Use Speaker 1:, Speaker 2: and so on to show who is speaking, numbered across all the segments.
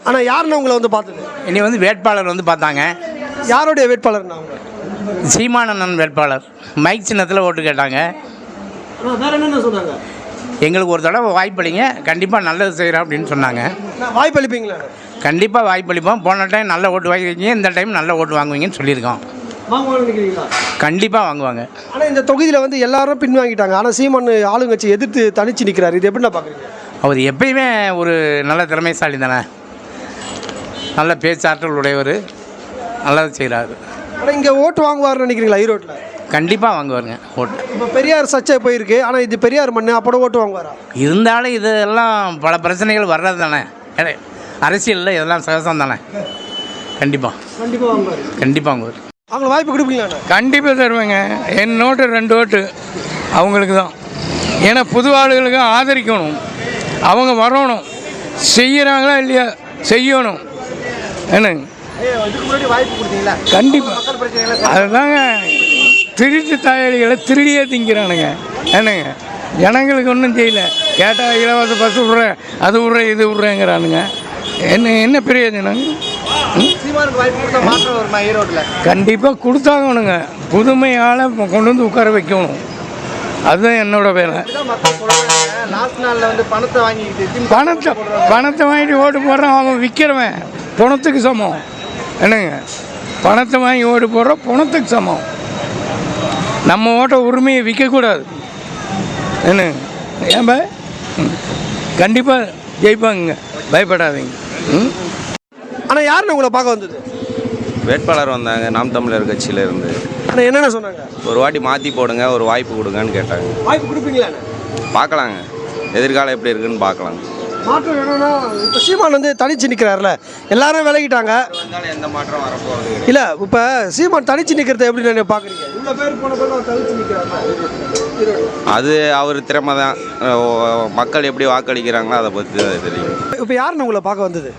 Speaker 1: ஆனால் யாருன்னு உங்களை வந்து பார்த்தது?
Speaker 2: இனி வந்து வேட்பாளர் வந்து பார்த்தாங்க.
Speaker 1: யாருடைய வேட்பாளர்னா அவங்க?
Speaker 2: சீமானந்தன் வேட்பாளர். மைக் சின்னத்தில் ஓட்டு கேட்டாங்க.
Speaker 1: வேற என்னென்ன சொன்னாங்க?
Speaker 2: எங்களுக்கு ஒரு தடவை வாய்ப்பளிங்க, கண்டிப்பாக நல்லது செய்கிறோம் அப்படின்னு சொன்னாங்க.
Speaker 1: வாய்ப்பு அளிப்பீங்களா?
Speaker 2: கண்டிப்பாக வாய்ப்பளிப்போம். போன டைம் நல்ல ஓட்டு வாங்கிருக்கீங்க, இந்த டைம் நல்ல ஓட்டு வாங்குவீங்கன்னு சொல்லியிருக்கோம்.
Speaker 1: வாங்குவாங்கன்னு நினைக்கிறீங்களா?
Speaker 2: கண்டிப்பாக வாங்குவாங்க.
Speaker 1: ஆனால் இந்த தொகுதியில் வந்து எல்லாரும் பின்வாங்கிட்டாங்க. ஆனால் சீமான் ஆளுங்கட்சி எதிர்த்து தனிச்சு நிற்கிறாரு. இது எப்படி நான் பார்க்குறீங்க?
Speaker 2: அவர் எப்பயுமே ஒரு நல்ல திறமைசாலி தானே, நல்ல பேச்சாற்றல் உடையவர், நல்லது செய்கிறாரு.
Speaker 1: ஆனால் இங்கே ஓட்டு வாங்குவார்னு நினைக்கிறீங்களா ஈரோட்டில்?
Speaker 2: கண்டிப்பாக வாங்குவாருங்க ஓட்டு.
Speaker 1: இப்போ பெரியார் சர்ச்சை போயிருக்கு. ஆனால் இது பெரியார் மண்ணு, அப்போ ஓட்டு வாங்குவாரா?
Speaker 2: இருந்தாலும் இதெல்லாம் பல பிரச்சனைகள் வர்றது தானே, அரசியலில் இதெல்லாம் சகசம் தானே. கண்டிப்பாக
Speaker 1: கண்டிப்பாக வாங்குவார்.
Speaker 2: கண்டிப்பாக வாங்குவார்.
Speaker 1: அவங்களுக்கு வாய்ப்பு கொடுப்பீங்களா?
Speaker 3: கண்டிப்பாக தருவேங்க. என் நோட்டு 2 ஓட்டு அவங்களுக்கு தான். ஏன்னா புது ஆளுகளுக்கு ஆதரிக்கணும், அவங்க வரணும், செய்கிறாங்களா இல்லையா செய்யணும். என்னங்க கண்டிப்பாக அதுதாங்க. திருட்டு தாயாளிகளை திருடியே திங்கிறானுங்க. என்னங்க ஜனங்களுக்கு ஒன்றும் செய்யல. கேட்டால் இலவச பஸ் விட்றேன், அது விட்றேன், இது விட்றேங்கிறானுங்க. என்ன பிரயோஜனம்? கண்டிப்பாக கொடுத்தாங்கணுங்க. புதுமை ஆளை கொண்டு வந்து உட்கார வைக்கணும். அதுதான் என்னோட வேலை. பணத்தை வாங்கிட்டு ஓட்டு போடுறான், அவன் விற்கிறவன் பணத்துக்கு சமம். என்னங்க பணத்தை வாங்கி ஓட்டு போடுறோம், பணத்துக்கு சமம். நம்ம ஓட்ட உரிமையை விற்கக்கூடாது. என்னங்க ஏன் கண்டிப்பாக ஜெயிப்பாங்க, பயப்படாதீங்க.
Speaker 1: ஆனால் யாருன்னு உங்களை பார்க்க வந்தது?
Speaker 4: வேட்பாளர் வந்தாங்க, நாம் தமிழர் கட்சியில் இருந்து.
Speaker 1: ஆனால் என்னென்ன சொன்னாங்க?
Speaker 4: ஒரு வாட்டி மாற்றி போடுங்க, ஒரு வாய்ப்பு கொடுங்கன்னு கேட்டாங்க.
Speaker 1: வாய்ப்பு கொடுப்பீங்களா?
Speaker 4: பார்க்கலாங்க, எதிர்காலம் எப்படி இருக்குன்னு பார்க்கலாங்க.
Speaker 1: மாற்றம் வேணும்னா இப்போ சீமான் வந்து தனிச்சு நிற்கிறாருல, எல்லாரும் விலகிட்டாங்க.
Speaker 4: எந்த மாற்றம் வரப்போகிறது
Speaker 1: இல்லை. இப்போ சீமான் தனிச்சு நிற்கிறத எப்படி நீங்கள் பார்க்குறீங்க? இவ்வளோ பேர் போன பேர் தனிச்சு நிற்கிறாங்க.
Speaker 4: அது அவர் திறமை தான். மக்கள் எப்படி வாக்களிக்கிறாங்களோ அதை பற்றி தான் தெரியும்.
Speaker 1: இப்போ யாருன்னு உங்களை பார்க்க வந்தது?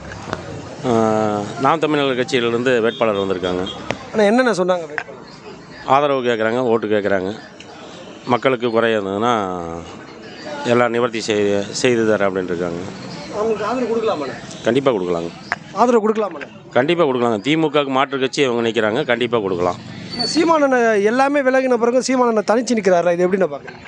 Speaker 5: நாம் தமிழர் கட்சியிலிருந்து வேட்பாளர் வந்திருக்காங்க.
Speaker 1: ஆனால் என்னென்ன சொன்னாங்க?
Speaker 5: ஆதரவு கேட்குறாங்க, ஓட்டு கேட்குறாங்க. மக்களுக்கு குறை இருந்ததுன்னா எல்லாம் நிவர்த்தி செய்து தரேன் அப்படின்ட்டு இருக்காங்க.
Speaker 1: அவங்களுக்கு ஆதரவு கொடுக்கலாமா?
Speaker 5: கண்டிப்பாக கொடுக்கலாங்க.
Speaker 1: ஆதரவு கொடுக்கலாமா?
Speaker 5: கண்டிப்பாக கொடுக்கலாங்க. திமுகவுக்கு மாற்று கட்சி அவங்க நிற்கிறாங்க, கண்டிப்பாக கொடுக்கலாம்.
Speaker 1: சீமானனை எல்லாமே விலகின பிறகு சீமானனை தனிச்சு நிற்கிறாரா, இது எப்படி நான் பார்க்குறேன்?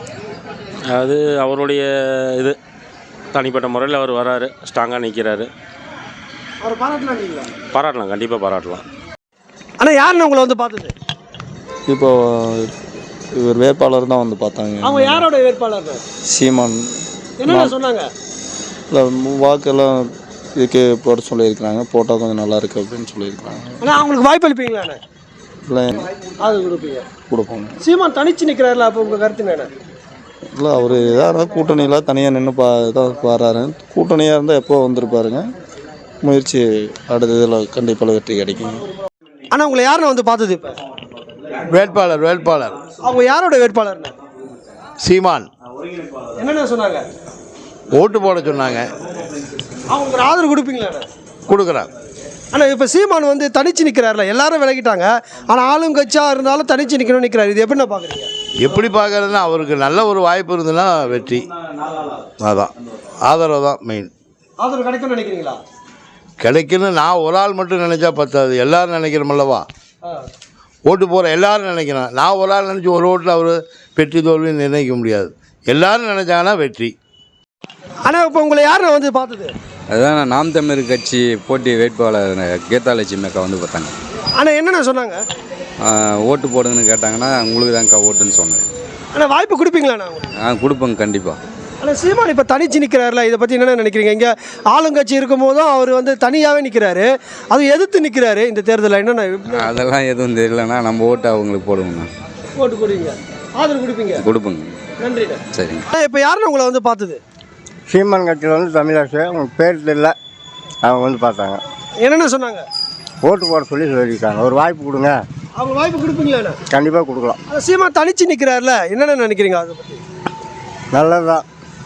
Speaker 5: அது அவருடைய இது தனிப்பட்ட முறையில் அவர் வராரு, ஸ்ட்ராங்காக நிற்கிறாரு.
Speaker 1: அவர் பாராட்டலாம்.
Speaker 5: பாராட்டலாம், கண்டிப்பாக பாராட்டலாம்.
Speaker 1: ஆனால் யாருன்னு உங்களை வந்து பார்த்தது?
Speaker 6: இப்போ இவர் வேட்பாளர் தான் வந்து பார்த்தாங்க.
Speaker 1: அவங்க யாரோட வேட்பாளர்?
Speaker 6: சீமான்.
Speaker 1: என்ன சொன்னாங்க?
Speaker 6: இல்லை வாக்கெல்லாம் இதுக்கு போட சொல்லியிருக்கிறாங்க, போட்டால் கொஞ்சம் நல்லா இருக்கு அப்படின்னு சொல்லியிருக்கிறாங்க.
Speaker 1: ஆனால் அவங்களுக்கு வாய்ப்பு அளிப்பீங்களா?
Speaker 6: இல்லை
Speaker 1: அது கொடுப்பீங்க.
Speaker 6: கொடுப்போங்க.
Speaker 1: சீமான் தனிச்சு நிற்கிறாருல, அப்போ உங்கள் கருத்து என்ன?
Speaker 6: இல்லை அவர் ஏதாவது கூட்டணியில் தனியாக நின்று தான் வராரு. கூட்டணியாக இருந்தால் எப்போ வந்திருப்பாருங்க. முயற்சி அடுத்த இதில் கண்டிப்பாக வெற்றி கிடைக்குங்க.
Speaker 1: ஆனால் உங்களை யாருன்னு வந்து பார்த்தது? இப்போ
Speaker 3: வேட்பாளர்
Speaker 1: அவங்க யாரோட வேட்பாளர்னா?
Speaker 3: சீமான்.
Speaker 1: என்னென்ன சொன்னாங்க?
Speaker 3: ஓட்டு போட சொன்னாங்க.
Speaker 1: அவங்க ஒரு ஆதரவு கொடுப்பீங்களா?
Speaker 3: கொடுக்குறாங்க.
Speaker 1: ஆனால் இப்போ சீமான் வந்து தனிச்சு நிற்கிறாருல, எல்லாரும் விலகிட்டாங்க. ஆனால் ஆளுங்கட்சியாக இருந்தாலும் தனிச்சு நிற்கணும்னு நிற்கிறாரு. இது எப்படி நான் பார்க்குறீங்க?
Speaker 3: எப்படி பார்க்கறதுன்னா அவருக்கு நல்ல ஒரு வாய்ப்பு இருந்ததுன்னா வெற்றி. அதான் ஆதரவு தான் மெயின்.
Speaker 1: ஆதரவு கிடைக்கும்னு நினைக்கிறீங்களா?
Speaker 3: கிடைக்குன்னு நான் ஒரு ஆள் மட்டும் நினச்சா பத்தாது, எல்லோரும் நினைக்கிறோமல்லவா. ஓட்டு போகிற எல்லோரும் நினைக்கிறேன். நான் ஒரு ஆள் நினச்சி ஒரு ஓட்டில் அவர் வெற்றி தோல்வி நிர்ணயிக்க முடியாது. எல்லோரும் நினச்சாங்கன்னா வெற்றி.
Speaker 1: ஆனால் இப்போ உங்களை யார் வந்து பார்த்தது?
Speaker 7: அதுதான் நாம் தமிழர் கட்சி போட்டி வேட்பாளர் கீதாலட்சுமி அக்கா வந்து பார்த்தாங்க.
Speaker 1: ஆனால் என்னென்ன சொன்னாங்க?
Speaker 7: ஓட்டு போடுங்கன்னு கேட்டாங்கன்னா உங்களுக்கு தான்க்கா ஓட்டுன்னு சொன்னேன்.
Speaker 1: ஆனால் வாய்ப்பு கொடுப்பீங்களா?
Speaker 7: கொடுப்பேங்க கண்டிப்பாக.
Speaker 1: ஆனால் சீமான் இப்போ தனிச்சு நிற்கிறாருல, இதை பற்றி என்ன நினைக்கிறீங்க? இங்கே ஆளுங்கட்சி இருக்கும் போதும் அவர் வந்து தனியாகவே நிற்கிறாரு, அது எதிர்த்து நிற்கிறாரு இந்த தேர்தலில். என்னென்ன
Speaker 7: அதெல்லாம் எதுவும் தெரியலண்ணா, நம்ம ஓட்டு அவங்களுக்கு போடுவோங்கண்ணா.
Speaker 1: ஓட்டு கொடுங்க, ஆதரவு கொடுப்பீங்க?
Speaker 7: கொடுப்போங்க.
Speaker 1: நன்றி.
Speaker 7: சரிங்க.
Speaker 1: இப்போ யாருன்னு உங்களை வந்து பார்த்தது?
Speaker 8: சீமான் கட்சியில் வந்து தமிழரசு, அவங்க பேர் தெரியல, அவங்க வந்து பார்த்தாங்க.
Speaker 1: என்னென்ன சொன்னாங்க?
Speaker 8: ஓட்டு போட சொல்லியிருக்காங்க, ஒரு வாய்ப்பு கொடுங்க.
Speaker 1: அவங்க வாய்ப்பு கொடுப்பீங்களா?
Speaker 8: கண்டிப்பாக கொடுக்கலாம்.
Speaker 1: சீமான் தனிச்சு நிற்கிறாருல, என்னென்ன நினைக்கிறீங்க அதை பற்றி?
Speaker 8: நல்லது தான்.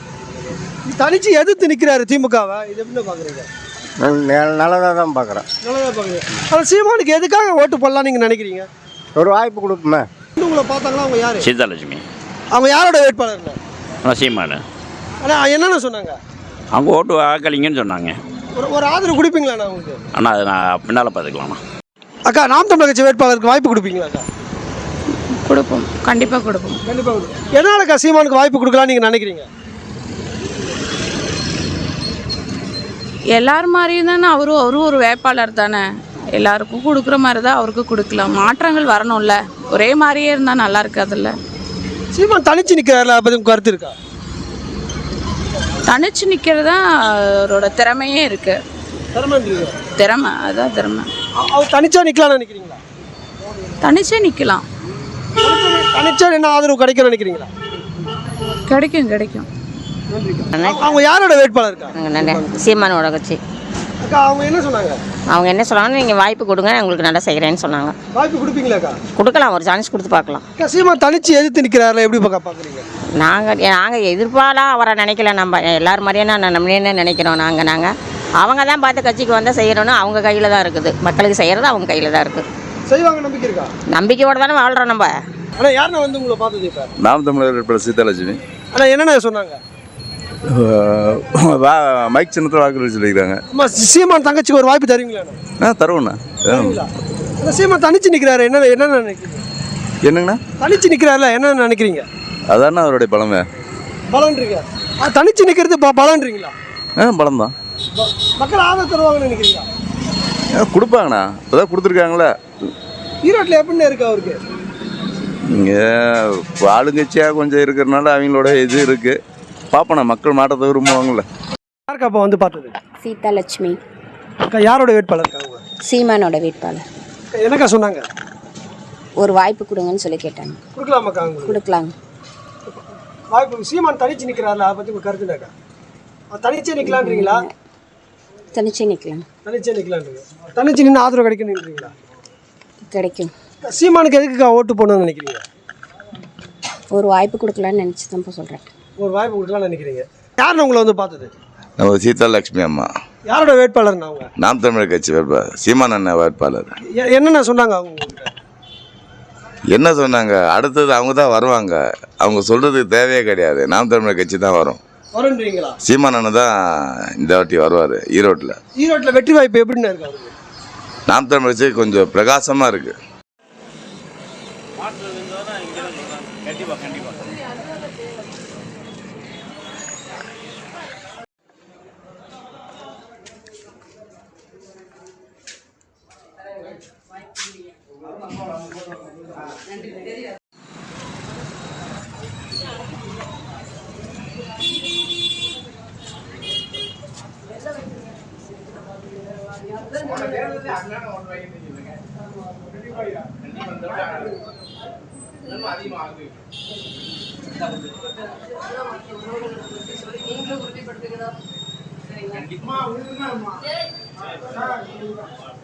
Speaker 1: தனிச்சு எதிர்த்து நிற்கிறாரு திமுகவை, இது எப்படி பார்க்குறீங்க?
Speaker 8: நல்லதாக தான் பார்க்குறேன்.
Speaker 1: நல்லதாக பார்க்குறீங்க. ஆனால் சீமானுக்கு எதுக்காக ஓட்டு போடலாம் நீங்கள் நினைக்கிறீங்க?
Speaker 8: ஒரு வாய்ப்பு கொடுப்போமே.
Speaker 1: உங்களை பார்த்தாங்களா? அவங்க யார்?
Speaker 9: சீதாலட்சுமி.
Speaker 1: அவங்க யாரோட வேட்பாளர்?
Speaker 9: சீமானு.
Speaker 1: ஆனால் என்னென்ன சொன்னாங்க?
Speaker 9: அவங்க ஓட்டு வாக்களிங்கன்னு சொன்னாங்க.
Speaker 1: ஒரு ஆதரவு கொடுப்பீங்களாண்ணா உங்களுக்கு?
Speaker 9: அண்ணா அது நான் பின்னால் பார்த்துக்கலாம்ண்ணா.
Speaker 1: அக்கா நாம் தமிழர் கட்சி வேட்பாளருக்கு வாய்ப்பு கொடுப்பீங்களா அக்கா?
Speaker 10: கொடுப்போம், கண்டிப்பாக கொடுப்போம்.
Speaker 1: கண்டிப்பாக கொடுப்போம். எதனாலக்கா சீமானுக்கு வாய்ப்பு கொடுக்கலாம்னு நீங்கள் நினைக்கிறீங்க?
Speaker 10: எல்லார் மாதிரியும் தானே அவரும் ஒரு வேட்பாளர் தானே, எல்லாருக்கும் கொடுக்குற மாதிரி தான் அவருக்கு கொடுக்கலாம். மாற்றங்கள் வரணும்ல, ஒரே மாதிரியே இருந்தால் நல்லா இருக்காதுல்ல.
Speaker 1: சீமான் தனிச்சு நிற்கிறாருல, அதை பற்றி உங்கள் கருத்து இருக்கா?
Speaker 10: தனிச்சு நிற்கிறது தான் அவரோட திறமையே இருக்குது. திறமை, அதான் திறமை.
Speaker 1: அவர் தனிச்சா நிற்கலாம்னு நினைக்கிறீங்களா?
Speaker 10: தனிச்சே நிற்கலாம்.
Speaker 1: தனிச்சா என்ன ஆதரவு கிடைக்கும்னு நினைக்கிறீங்களா?
Speaker 10: கிடைக்கும் கிடைக்கும்.
Speaker 1: அவங்க யாரோட வேட்பாளர் இருக்கா?
Speaker 11: சீமானோட கட்சி.
Speaker 1: அக்கா அவங்க என்ன சொன்னாங்க?
Speaker 11: அவங்க என்ன சொன்னாங்க, நீங்கள் வாய்ப்பு கொடுங்க, உங்களுக்கு நல்லா செய்கிறேன்னு சொன்னாங்க.
Speaker 1: வாய்ப்பு கொடுப்பீங்களாக்கா?
Speaker 11: கொடுக்கலாம், ஒரு சான்ஸ் கொடுத்து பார்க்கலாம்.
Speaker 1: அக்கா சீமான் தனிச்சு எதிர்த்து நிற்கிறாருல, எப்படி பார்க்குறீங்க?
Speaker 11: நாங்கள் எதிர்ப்பாலாம் அவரை நினைக்கல. நம்ம எல்லார் மாதிரியே நம்மளே நினைக்கிறோம். நாங்கள் அவங்க தான் பார்த்து கட்சிக்கு வந்தால் செய்யணும்னு அவங்க கையில் தான் இருக்குது. மக்களுக்கு செய்கிறது அவங்க கையில் தான் இருக்குது.
Speaker 1: செய்வாங்க நம்பிக்கை இருக்கா?
Speaker 11: நம்பிக்கையோடு தானே வாழ்கிறோம் நம்ம.
Speaker 1: ஆனால் யாருன்னா வந்து உங்களை பார்த்தது இப்போ?
Speaker 6: நாம் தமிழர் சீதாலட்சுமி.
Speaker 1: ஆனால் என்னென்ன சொன்னாங்க?
Speaker 6: மைக் சின்னத்தில் வாக்குறுதி சொல்லிக்கிறாங்க.
Speaker 1: அம்மா சீமான் தங்கச்சிக்கு ஒரு வாய்ப்பு தருவீங்களா?
Speaker 6: தருவோண்ணா.
Speaker 1: சீமான் தனிச்சு நிற்கிறாரு, என்ன நினைக்கிறீங்க?
Speaker 6: என்னங்கண்ணா?
Speaker 1: தனிச்சு நிற்கிறாருல, என்ன நினைக்கிறீங்க?
Speaker 6: அதாண்ணா அவருடைய பலமே.
Speaker 1: பலன்றீங்க? தனிச்சு நிற்கிறது பலன்றீங்களா?
Speaker 6: பலம் தான்.
Speaker 1: மக்கள் ஆதரவு தருவாங்கன்னு நினைக்கிறீங்களா?
Speaker 6: கொடுப்பாங்கண்ணா, இப்போதான் கொடுத்துருக்காங்களே.
Speaker 1: ஈரோட்டில் எப்படின்னு இருக்கு அவருக்கு?
Speaker 6: இங்கே ஆளுங்கட்சியாக கொஞ்சம் இருக்கிறனால அவங்களோட இது இருக்குது. பார்ப்போண்ணா, மக்கள் மாற்றத்தை விரும்புவாங்கள்ல.
Speaker 1: யாருக்கா அப்போ வந்து பார்த்தது?
Speaker 11: சீதாலட்சுமி.
Speaker 1: அக்கா யாரோட வேட்பாளர் இருக்காங்க?
Speaker 11: சீமானோட வேட்பாளர்.
Speaker 1: என்னக்கா சொன்னாங்க?
Speaker 11: ஒரு வாய்ப்பு கொடுங்கன்னு சொல்லி கேட்டாங்க.
Speaker 1: கொடுக்கலாமாக்கா?
Speaker 11: கொடுக்கலாங்க.
Speaker 1: வாய்ப்பு. சீமான் தனிச்சு நிற்கிறாருல, அதை பற்றி உங்கள் கருத்துனாக்கா? தனிச்சே நிற்கலான்றீங்களா?
Speaker 11: தனிச்சே நிற்கலாம்.
Speaker 1: தனிச்சே நிற்கலான்றீங்க. தனிச்சு நின்று ஆதரவு கிடைக்கணுன்றீங்களா?
Speaker 11: கிடைக்கும்.
Speaker 1: சீமானுக்கு எதுக்குக்கா ஓட்டு போடணும்னு நினைக்கிறீங்க?
Speaker 11: ஒரு வாய்ப்பு கொடுக்கலான்னு நினச்சி தான் இப்போ சொல்கிறேன்.
Speaker 1: ஒரு வாய்ப்பு கொடுக்கலாம்னு நினைக்கிறீங்க. யாருன்னு உங்களை வந்து பார்த்தது?
Speaker 6: நம்ம சீதாலட்சுமி அம்மா.
Speaker 1: யாரோட வேட்பாளர்னா அவங்க?
Speaker 6: நாம் தமிழர் கட்சி வேட்பாளர் சீமான் அண்ணன் வேட்பாளர்.
Speaker 1: என்னென்ன சொன்னாங்க அவங்க?
Speaker 6: என்ன சொன்னாங்க? அடுத்தது அவங்க தான் வருவாங்க. அவங்க சொல்கிறதுக்கு தேவையே கிடையாது. நாம் தமிழர் கட்சி தான் வரும்.
Speaker 1: வரன்றீங்களா?
Speaker 6: சீமான் அண்ணன் தான் இந்த வாட்டி வருவார் ஈரோட்டில்.
Speaker 1: ஈரோட்டில் வெற்றி வாய்ப்பு எப்படின்னு இருக்கு அவருக்கு?
Speaker 6: நாம் தமிழர் கட்சி கொஞ்சம் பிரகாசமாக இருக்குது.
Speaker 1: நீங்களும் உறுதிப்படுத்துகிறோம்.